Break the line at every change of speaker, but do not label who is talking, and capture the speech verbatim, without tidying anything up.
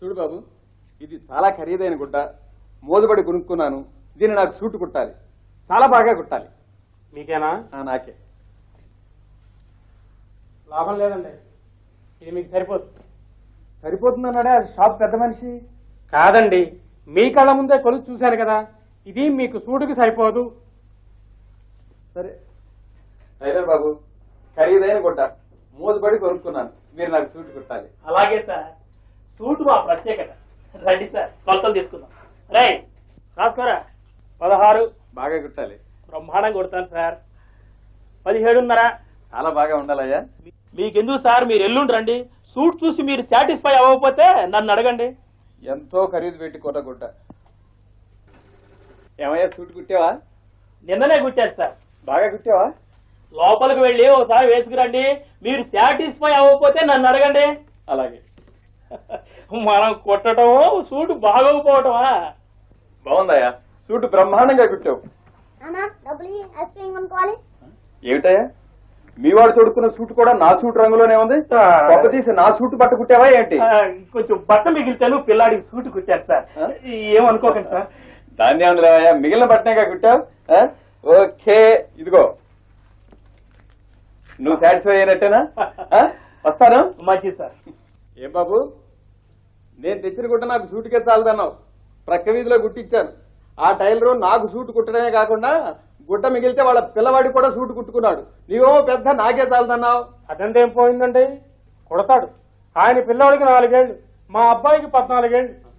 చూడు బాబు, ఇది చాలా ఖరీదైన గుడ్డ, మోదుబడి కొనుక్కున్నాను. దీన్ని నాకు సూటు కుట్టాలి, చాలా బాగా కుట్టాలి.
మీకేనా?
నాకే.
లాభం లేదండి, ఇది మీకు సరిపోతుంది.
సరిపోతుందన్నాడే షాప్ పెద్ద మనిషి.
కాదండి, మీ కళ్ళ ముందే కొలుసు చూశాను కదా, ఇది మీకు సూటుకి సరిపోదు.
సరే టైలర్ బాబు, ఖరీదైన గుడ్డ, మోదుబడి కొనుక్కున్నాను. మీరు నాకు సూటు కుట్టాలి.
అలాగే సార్, సూటు మా ప్రత్యేకత. రండి సార్, కొలతలు తీసుకుందాం. రై రాసుకోరా. పదహారు.
బాగా కుట్టాలి.
బ్రహ్మాండంగా కొడతాను సార్. పదిహేడున్నర.
చాలా బాగా ఉండాలయ్యా.
మీకెందుకు సార్, మీరు ఎల్లుండి రండి. సూట్ చూసి మీరు సాటిస్ఫై అవ్వకపోతే నన్ను అడగండి.
ఎంతో ఖరీదు పెట్టి కొట్ట గుడ్డ. ఏమయ్యా, సూటు కుట్టావా?
నిన్ననే కుట్టారు సార్.
బాగా కుట్టావా?
లోపలికి వెళ్ళి ఒకసారి వేసుకురండి. మీరు సాటిస్ఫై అవ్వకపోతే నన్ను అడగండి.
అలాగే.
మనం కొట్టడమో సూటు బాగోకపోవటమా?
బాగుందయ్యా, సూటు బ్రహ్మాండంగా కుట్టావు. ఏమిటయ్యా, మీ వాడు తొడుక్కున్న సూటు కూడా నా సూటు రంగులోనే ఉంది. పక్క తీసి నా సూటు బట్ట కుట్టావా ఏంటి?
కొంచెం బట్ట మిగిలితేను పిల్లాడికి సూటు కుట్టారు సార్. ఏమనుకోకండి సార్.
దాన్ని ఏమన్నా మిగిలిన బట్టనేగా కుట్టావు. ఓకే, ఇదిగో నువ్వు సాటిస్ఫై అయినట్టేనా? వస్తాను.
మంచిది సార్.
ఏం బాబు, నేను తెచ్చిన గుట్ట నాకు సూటుకే చాలదన్నావు. ప్రక్క వీధిలో గుట్టించాను. ఆ టైలరు నాకు సూటు కుట్టడమే కాకుండా గుట్ట మిగిలితే వాళ్ళ పిల్లవాడికి కూడా సూటు కుట్టుకున్నాడు. నీవేమో పెద్ద నాకే చాలదన్నావు.
అదంతా ఏం పోయిందండి, కొడతాడు. ఆయన పిల్లవాడికి నాలుగేళ్లు, మా అబ్బాయికి పద్నాలుగేళ్లు.